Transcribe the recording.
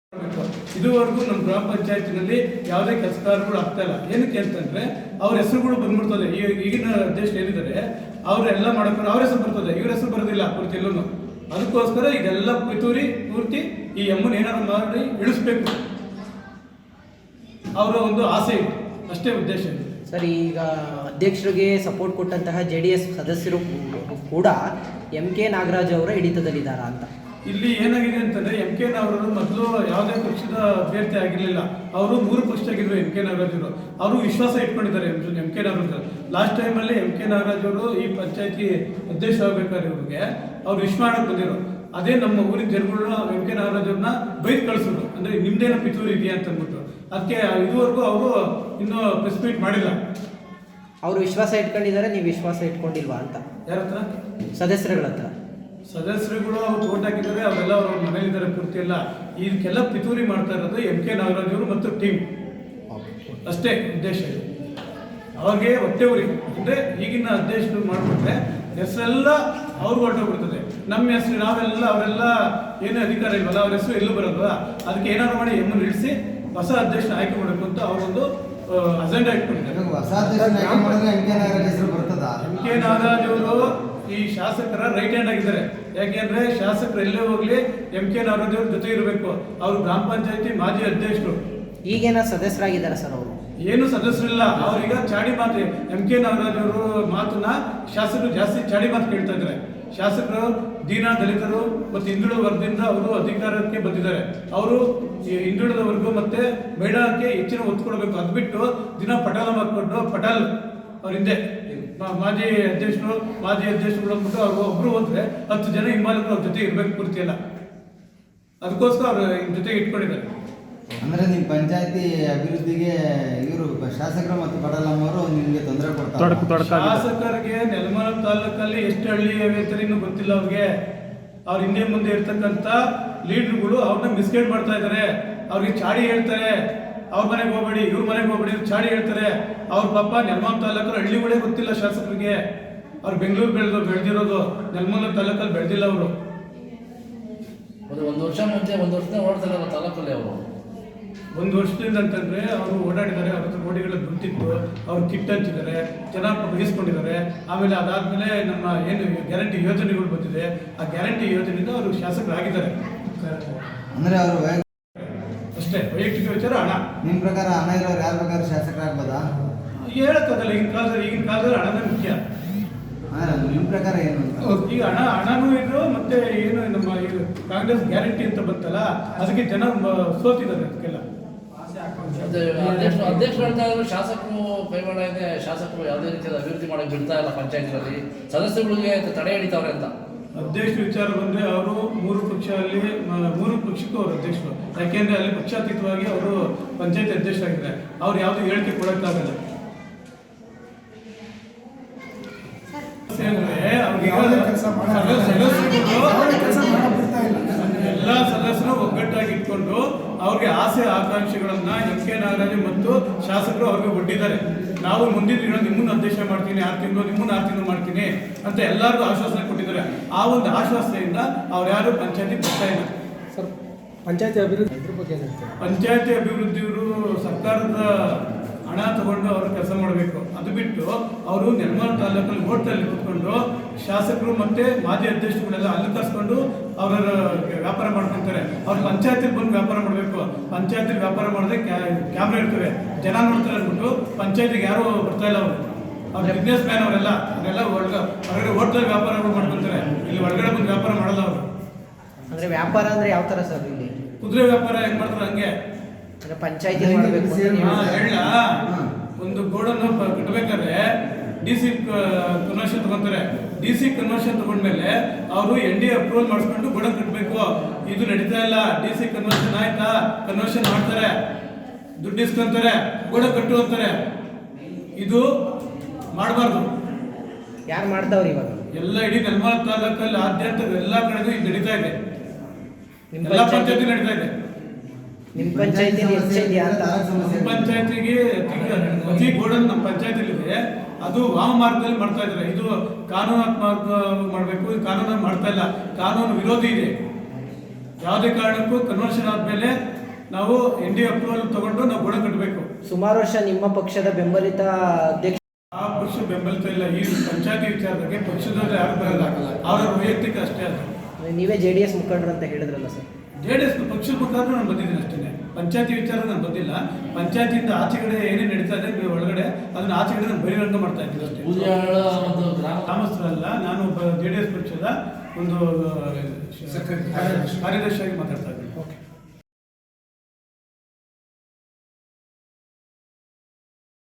ಇದುವರೆಗೂ ನಮ್ಮ ಗ್ರಾಮ ಪಂಚಾಯತಿನಲ್ಲಿ ಯಾವುದೇ ಕೆಲಸ ಕಾರ್ಯಗಳು ಆಗ್ತಾ ಇಲ್ಲ. ಏನಕ್ಕೆ ಅಂತಂದ್ರೆ ಅವ್ರ ಹೆಸರುಗಳು ಬಂದ್ಬಿಡ್ತದೆ. ಈಗಿನ ದೇಶ ಏನಿದ್ದಾರೆ ಅವರೆಲ್ಲ ಮಾಡ್ಕೊಂಡು ಅವ್ರ ಹೆಸರು ಬರ್ತದೆ, ಇವ್ರ ಹೆಸರು ಬರೋದಿಲ್ಲ ಪೂರ್ತಿ ಎಲ್ಲೂ. ಅದಕ್ಕೋಸ್ಕರ ಇದೆಲ್ಲ ಪೂರ್ತಿ ಈ ಎಮ್ಮನ್ ಏನಾದ್ರು ಮಾಡಿ ಇಳಿಸ್ಬೇಕು ಅವರ ಒಂದು ಆಸೆ ಇದೆ, ಅಷ್ಟೇ ಉದ್ದೇಶ. ಸರ್, ಈಗ ಅಧ್ಯಕ್ಷರಿಗೆ ಸಪೋರ್ಟ್ ಕೊಟ್ಟಂತಹ JDS ಸದಸ್ಯರು ಕೂಡ MK ನಾಗರಾಜ್ ಅವರ ಹಿಡಿತದಲ್ಲಿದ್ದಾರಾ ಅಂತ. ಇಲ್ಲಿ ಏನಾಗಿದೆ ಅಂತಂದ್ರೆ MK ನಾಗರಾಜ್ ಮೊದಲು ಯಾವುದೇ ಪಕ್ಷದ ಅಭ್ಯರ್ಥಿ ಆಗಿರಲಿಲ್ಲ. ಅವರು 3 ಪಕ್ಷದಾಗಿದ್ರು MK ನಾಗರಾಜ್ ಅವರು. ಅವರು ವಿಶ್ವಾಸ ಇಟ್ಕೊಂಡಿದ್ದಾರೆ MK ನಾಗರಾಜ್. ಲಾಸ್ಟ್ ಟೈಮಲ್ಲಿ MK ನಾಗರಾಜ್ ಅವರು ಈ ಪಂಚಾಯತಿ ಅಧ್ಯಕ್ಷ ಆಗಬೇಕಾದ್ರೆ ಅವ್ರಿಗೆ ಅವ್ರು ವಿಶ್ ಮಾಡಕ್ಕೆ ಬಂದಿರೋ. ಅದೇ ನಮ್ಮ ಊರಿನ ಜನಗಳು MK ನಾಗರಾಜ್ ಅವ್ರನ್ನ ಬೈಕ್ ಕಳಿಸಿದ್ರು, ಅಂದ್ರೆ ನಿಮ್ದೇನೋ ಪಿತೂರು ಇದೆಯಾ ಅಂತ ಅಂದ್ಬಿಟ್ಟು. ಅದಕ್ಕೆ ಇದುವರೆಗೂ ಅವರು ಇನ್ನೂ ಪ್ರೆಸ್ ಮೀಟ್ ಮಾಡಿಲ್ಲ. ಅವರು ವಿಶ್ವಾಸ ಇಟ್ಕೊಂಡಿದ್ದಾರೆ, ನೀವು ವಿಶ್ವಾಸ ಇಟ್ಕೊಂಡಿಲ್ವಾ ಅಂತ. ಯಾರ ಹತ್ರ? ಸದಸ್ಯರುಗಳ ಹತ್ರ. ಸದಸ್ಯರುಗಳು ಅವ್ರು ಓಟ್ ಹಾಕಿದ್ದಾರೆ, ಅವರೆಲ್ಲ ಅವ್ರ ಮನೇಲಿದ್ದಾರೆ ಪೂರ್ತಿ ಎಲ್ಲ. ಇದಕ್ಕೆಲ್ಲ ಪಿತೂರಿ ಮಾಡ್ತಾ ಇರೋದು MK ನಾಗರಾಜ್ ಅವರು ಮತ್ತು ಟೀಮ್, ಅಷ್ಟೇ ಉದ್ದೇಶ ಇದೆ. ಅವ್ರಿಗೆ ಹೊಟ್ಟೆ ಉರಿ ಅಂದರೆ ಈಗಿನ ಅಧ್ಯಕ್ಷರು ಮಾಡಿಬಿಟ್ರೆ ಹೆಸರೆಲ್ಲ ಅವ್ರಿಗೆ ಹೊರಟೋಗ್ಬಿಡ್ತದೆ. ನಮ್ಮ ಹೆಸರು ನಾವೆಲ್ಲ ಅವರೆಲ್ಲ ಏನೇ ಅಧಿಕಾರ ಇಲ್ವಲ್ಲ, ಅವ್ರ ಹೆಸರು ಎಲ್ಲೂ ಬರೋಲ್ವ. ಅದಕ್ಕೆ ಏನಾದ್ರು ಮಾಡಿ ಎಮ್ಮನ್ನು ಇಳಿಸಿ ಹೊಸ ಅಧ್ಯಕ್ಷನ ಆಯ್ಕೆ ಮಾಡಬೇಕು ಅಂತ ಅವರೊಂದು ಅಜೆಂಡಾ ಇಟ್ಕೊಂಡಿದ್ದಾರೆ. MK ನಾಗರಾಜ್ ಅವರು ಈ ಶಾಸಕರ ರೈಟ್ ಹ್ಯಾಂಡ್ ಆಗಿದ್ದಾರೆ. ಯಾಕೆಂದ್ರೆ ಶಾಸಕರು ಎಲ್ಲೇ ಹೋಗ್ಲಿ MK ನಾಗರಾಜ್ ಅವ್ರ ಜೊತೆ ಇರಬೇಕು. ಅವರು ಗ್ರಾಮ ಪಂಚಾಯತಿ ಮಾಜಿ ಅಧ್ಯಕ್ಷರು. ಈಗೇನ ಸದಸ್ಯರಾಗಿದ್ದಾರೆ ಸರ್ ಅವರು? ಏನು ಸದಸ್ಯರಿಲ್ಲ. ಅವ್ರೀಗ ಚಾಡಿ ಮಾತು, MK ನಾಗರಾಜ್ ಅವರು ಮಾತನ್ನ ಶಾಸಕರು ಜಾಸ್ತಿ ಚಾಡಿ ಮಾತು ಕೇಳ್ತಾ ಇದ್ದಾರೆ. ಶಾಸಕರು ದೀನ ದಲಿತರು ಮತ್ತು ಹಿಂದುಳಿದ ವರ್ಗದಿಂದ ಅವರು ಅಧಿಕಾರಕ್ಕೆ ಬಂದಿದ್ದಾರೆ. ಅವರು ಹಿಂದುಳಿದ ವರ್ಗ ಮತ್ತೆ ಮಹಿಳಾಕ್ಕೆ ಹೆಚ್ಚಿನ ಒತ್ತು ಕೊಡಬೇಕು. ಅದು ಬಿಟ್ಟು ದಿನ ಪಟಾಲ ಮಾಡ್ಕೊಂಡು ಪಟಾಲ್ ಅವ್ರ ಹಿಂದೆ ಮಾಜಿ ಅಧ್ಯಕ್ಷರು ಅಂದ್ಬಿಟ್ಟು ಅವ್ರು ಒಬ್ರು ಹೋದ್ರೆ 10 ಜನ ಹಿಂಬಾಲಕರು ಅವ್ರ ಜೊತೆ ಇರ್ಬೇಕು ಪೂರ್ತಿ ಎಲ್ಲ. ಅದಕ್ಕೋಸ್ಕರ ಅವ್ರ ಜೊತೆಗೆ ಇಟ್ಕೊಂಡಿದ್ದಾರೆ. ಅಂದ್ರೆ ನಿಮ್ಮ ಪಂಚಾಯತಿ ಅಭಿವೃದ್ಧಿಗೆ ಇವರು ಶಾಸಕರು ಮತ್ತು ಪಡಲಮ್ಮವರು ನಿಮಗೆ ತೊಂದರೆ ಕೊಡ್ತಾರೆ. ಶಾಸಕರಿಗೆ ನೆಲಮಂಗಲ ತಾಲೂಕಲ್ಲಿ ಎಷ್ಟು ಹಳ್ಳಿ ಅಂತ ಇನ್ನೂ ಗೊತ್ತಿಲ್ಲ ಅವ್ರಿಗೆ. ಅವ್ರ ಹಿಂದೆ ಮುಂದೆ ಇರ್ತಕ್ಕಂಥ ಲೀಡರ್ಗಳು ಅವ್ರನ್ನ ಮಿಸ್ಗೈಡ್ ಮಾಡ್ತಾ ಇದ್ದಾರೆ. ಅವ್ರಿಗೆ ಚಾಡಿ ಹೇಳ್ತಾರೆ, ಅವ್ರ ಮನೆಗೆ ಹೋಗ್ಬೇಡಿ, ಇವ್ರ ಮನೆಗೆ ಹೋಗ್ಬೇಡಿ, ಚಾಡಿ ಹೇಳ್ತಾರೆ. ಅವ್ರ ಪಾಪ ನೆಲಮಂಗಲ ತಾಲೂಕಲ್ಲಿ ಹಳ್ಳಿಗಳೇ ಗೊತ್ತಿಲ್ಲ ಶಾಸಕರಿಗೆ. ಅವ್ರು ಬೆಂಗಳೂರು ಬೆಳೆದಿರೋದು, ನೆಲಮಂಗಲ ತಾಲೂಕಲ್ಲಿ ಬೆಳೆದಿಲ್ಲ ಅವರು. ಒಂದು ವರ್ಷ ಮುಂಚೆ ವರ್ಷದಿಂದ ಓಡ್ತಾರಲ್ಲ ತಾಲೂಕಲ್ಲಿ ಅವರು. 1 ವರ್ಷದಿಂದ ಅಂತಂದ್ರೆ ಅವರು ಓಡಾಡಿದ್ದಾರೆ. ಅವ್ರ ಹತ್ರ ಗೋಡಿಗಳ ದುಡ್ಡಿತ್ತು, ಅವ್ರು ಕಿಟ್ ಹಂಚಿದ್ದಾರೆ, ಚೆನ್ನಾಗಿ ಬಗೆಸ್ಕೊಂಡಿದ್ದಾರೆ. ಆಮೇಲೆ ಅದಾದ್ಮೇಲೆ ನಮ್ಮ ಏನು ಗ್ಯಾರಂಟಿ ಯೋಜನೆಗಳು ಬಂದಿದೆ, ಆ ಗ್ಯಾರಂಟಿ ಯೋಜನೆಯಿಂದ ಅವರು ಶಾಸಕರಾಗಿದ್ದಾರೆ. ಅಂದ್ರೆ ಅವರು ಅಷ್ಟೇ ವೈಯಕ್ತಿಕ ವಿಚಾರ. ಹಣ ನಿಮ್ಮ ಪ್ರಕಾರ ಹಣ ಇರೋರು ಯಾರು ಬೇಕಾದ್ರೂ ಶಾಸಕರಾಗ್ಬೋದಾ? ಹೇಳಕ್ಕಾಗಲ್ಲ. ಈಗಿನ ಕಾಲದಲ್ಲಿ ಹಣನೇ ಮುಖ್ಯ. ನಿಮ್ಮ ಪ್ರಕಾರ ಏನು? ಈಗ ಹಣನೂ ಇದು ಮತ್ತೆ ಏನು ನಮ್ಮ ಕಾಂಗ್ರೆಸ್ ಗ್ಯಾರಂಟಿ ಅಂತ ಬಂತಲ್ಲ, ಅದಕ್ಕೆ ಜನ ಸೋತಿದ್ದಾರೆ. ಅದಕ್ಕೆಲ್ಲ ಅಧ್ಯಕ್ಷರು ಹೇಳ್ತಾ ಇದ್ರು ಶಾಸಕರು ಕೈವಾಡ ಇದೆ, ಶಾಸಕರು ಯಾವುದೇ ರೀತಿಯ ಅಭಿವೃದ್ಧಿ ಮಾಡಕ್ಕೆ ಬಿಡ್ತಾ ಇಲ್ಲ ಪಂಚಾಯತ್ಗಳಲ್ಲಿ, ಸದಸ್ಯರುಗಳಿಗೆ ತಡೆ ಹಿಡಿತಾವ್ರೆ ಅಂತ. ಅಧ್ಯಕ್ಷ ವಿಚಾರ ಬಂದ್ರೆ ಅವರು 3 ಪಕ್ಷಕ್ಕೂ ಅವರು ಅಧ್ಯಕ್ಷರು. ಯಾಕೆಂದ್ರೆ ಅಲ್ಲಿ ಪಕ್ಷಾತೀತವಾಗಿ ಅವರು ಪಂಚಾಯತ್ ಅಧ್ಯಕ್ಷರಾಗಿದ್ದಾರೆ. ಅವ್ರು ಯಾವ್ದು ಹೇಳಿಕೆ ಕೊಡಕ್ಕಾಗಲ್ಲ. ಎಲ್ಲ ಸದಸ್ಯರು ಒಗ್ಗಟ್ಟಾಗಿ ಇಟ್ಕೊಂಡು ಅವ್ರಿಗೆ ಆಸೆ ಆಕಾಂಕ್ಷೆಗಳನ್ನ MK ನಾಗರಾಜ್ ಮತ್ತು ಶಾಸಕರು ಅವ್ರಿಗೆ ಒಡ್ಡಿದ್ದಾರೆ. ನಾವು ಮುಂದಿನ ದಿನ ನಿಮ್ಮನ್ನು ಅಧ್ಯಕ್ಷ ಮಾಡ್ತೀನಿ, 6 ತಿಂಗಳು ಮಾಡ್ತೀನಿ ಅಂತ ಎಲ್ಲರಿಗೂ ಆಶ್ವಾಸನೆ ಕೊಟ್ಟಿದ್ದಾರೆ. ಆ ಒಂದು ಆಶ್ವಾಸನೆಯಿಂದ ಅವ್ರು ಯಾರು ಪಂಚಾಯತಿ ಬರ್ತಾ ಇಲ್ಲ. ಸರ್, ಪಂಚಾಯತಿ ಅಭಿವೃದ್ಧಿಯವರು ಸರ್ಕಾರದ ಹಣ ತಗೊಂಡು ಅವರು ಕೆಲಸ ಮಾಡಬೇಕು. ಅದು ಬಿಟ್ಟು ಅವರು ನೆಲಮಂಗಲ ತಾಲೂಕಲ್ಲಿ ಹೋಟೆಲ್ ಕೂತ್ಕೊಂಡು ಶಾಸಕರು ಮತ್ತೆ ಮಾಜಿ ಅಧ್ಯಕ್ಷರುಗಳೆಲ್ಲ ಅಲ್ಲಿ ಕರ್ಸ್ಕೊಂಡು ಅವರ ವ್ಯಾಪಾರ ಮಾಡ್ಕೊಂತಾರೆ. ಅವ್ರು ಪಂಚಾಯತಿಗೆ ಬಂದು ವ್ಯಾಪಾರ ಮಾಡಬೇಕು. ಪಂಚಾಯತಿಗೆ ವ್ಯಾಪಾರ ಮಾಡಿದ್ರೆ ಕ್ಯಾಮ್ರಾ ಇರ್ತವೆ, ಜನ ನೋಡ್ತಾರೆ ಅಂದ್ಬಿಟ್ಟು ಪಂಚಾಯತಿಗೆ ಯಾರು ಬರ್ತಾ ಇಲ್ಲ. ಅವ್ರ ಬಿಸ್ನೆಸ್ ಮ್ಯಾನ್ ಅವರೆಲ್ಲ ಹೊರಗಡೆ ಹೋಟೆಲ್ ವ್ಯಾಪಾರಗಳು ಮಾಡ್ಕೊಂತಾರೆ. ಇಲ್ಲಿ ಒಳಗಡೆ ಬಂದು ವ್ಯಾಪಾರ ಮಾಡಲ್ಲ ಅವರು. ಅಂದ್ರೆ ವ್ಯಾಪಾರ ಅಂದ್ರೆ ಯಾವ ತರ ಸರ್? ಇಲ್ಲಿ ಕುದುರೆ ವ್ಯಾಪಾರ ಹೆಂಗ್ ಮಾಡ್ತಾರೆ ಹಂಗೆ. ಪಂಚಾಯತಿ ಮಾಡಬೇಕು. ಹೇಳ ಒಂದು ಗೋಡನ್ನು ಕಟ್ಟಬೇಕಾದ್ರೆ DC ಕನ್ವರ್ಷನ್ ತಗೊಂತಾರೆ. DC ಕನ್ವರ್ಷನ್ ತಗೊಂಡ್ಮೇಲೆ ಅವರು NDA ಅಪ್ರೂವಲ್ ಮಾಡಿಸ್ಕೊಂಡು ಗೋಡನ್ ಕಟ್ಟಬೇಕು. ಇದು ನಡೀತಾ ಇಲ್ಲ. DC ಕನ್ವರ್ಷನ್ ಆಯ್ತಾ, ಕನ್ವರ್ಷನ್ ಮಾಡ್ತಾರೆ, ದುಡ್ಡು ಇಸ್ಕೊಂತಾರೆ, ಗೋಡ ಕಟ್ಟು ಅಂತಾರೆ. ಇದು ಮಾಡಬಾರ್ದು. ಯಾರು ಮಾಡ್ತಾವ್ರಿ ಇವಾಗ? ಎಲ್ಲ ಇಡೀ ನೆಲಮಂಗಲ ತಾಲೂಕಲ್ಲಿ ಆದ್ಯಂತ ಎಲ್ಲ ಕಡೆಗೂ ಇದು ನಡೀತಾ ಇದೆ. ಎಲ್ಲ ಪಂಚಾಯತಿ ನಡೀತಾ ಇದೆ. ನಿಮ್ಮ ಪಂಚಾಯತಿ ಪಂಚಾಯತಿಗೆ ಅತಿ ಗೋಡನ್ ನಮ್ಮ ಪಂಚಾಯತಿಲಿ ಇದೆ. ಅದು ವಾಮ ಮಾರ್ಗದಲ್ಲಿ ಮಾಡ್ತಾ ಇದ್ದಾರೆ. ಇದು ಕಾನೂನಾತ್ಮಕ ಮಾಡಬೇಕು. ಕಾನೂನು ಮಾಡ್ತಾ ಇಲ್ಲ, ಕಾನೂನು ವಿರೋಧಿ ಇದೆ. ಯಾವುದೇ ಕಾರಣಕ್ಕೂ ಕನ್ವರ್ಷನ್ ಆದಮೇಲೆ ನಾವು NDA ಅಪ್ರೂವಲ್ ತಗೊಂಡು ನಾವು ಗುಣ ಕಟ್ಟಬೇಕು. ಸುಮಾರು ವರ್ಷ ನಿಮ್ಮ ಪಕ್ಷದ ಬೆಂಬಲಿತ ಅಧ್ಯಕ್ಷ ಆ ಪಕ್ಷ ಬೆಂಬಲಿತ ಇಲ್ಲ. ಈ ಪಂಚಾಯತಿ ವಿಚಾರದಾಗೆ ಪಕ್ಷದವ್ರು ಯಾರು ಬರಲ್ಲ, ಅವರ ವೈಯಕ್ತಿಕ ಅಷ್ಟೇ ಅದು. ನೀವೇ JDS ಮುಖಂಡರು ಅಂತ ಹೇಳಿದ್ರಲ್ಲ ಸರ್. JDS ಪಕ್ಷದ ಮುಖಾಂತರ ನಾನು ಬಂದಿದ್ದೀನಿ ಅಷ್ಟೇ. ಪಂಚಾಯತಿ ವಿಚಾರ ನಾನು ಬಂದಿಲ್ಲ. ಪಂಚಾಯತಿಯಿಂದ ಆಚೆಗಡೆ ಏನೇನು ನಡೀತಾ ಇದೆ ಒಳಗಡೆ ಅದನ್ನ ಆಚೆಗಡೆ ನಾನು ಬಹಿರಂಗ ಮಾಡ್ತಾ ಇದ್ದೀನಿ ಅಷ್ಟೇ. ಬೂದಿಯಾಳ ಒಂದು ಗ್ರಾಮಸ್ಥರಲ್ಲ, ನಾನು ಒಬ್ಬ JDS ಪಕ್ಷದ ಒಂದು ಕಾರ್ಯದರ್ಶಿಯಾಗಿ ಮಾತಾಡ್ತಾ ಇದ್ದೀನಿ. ಓಕೆ.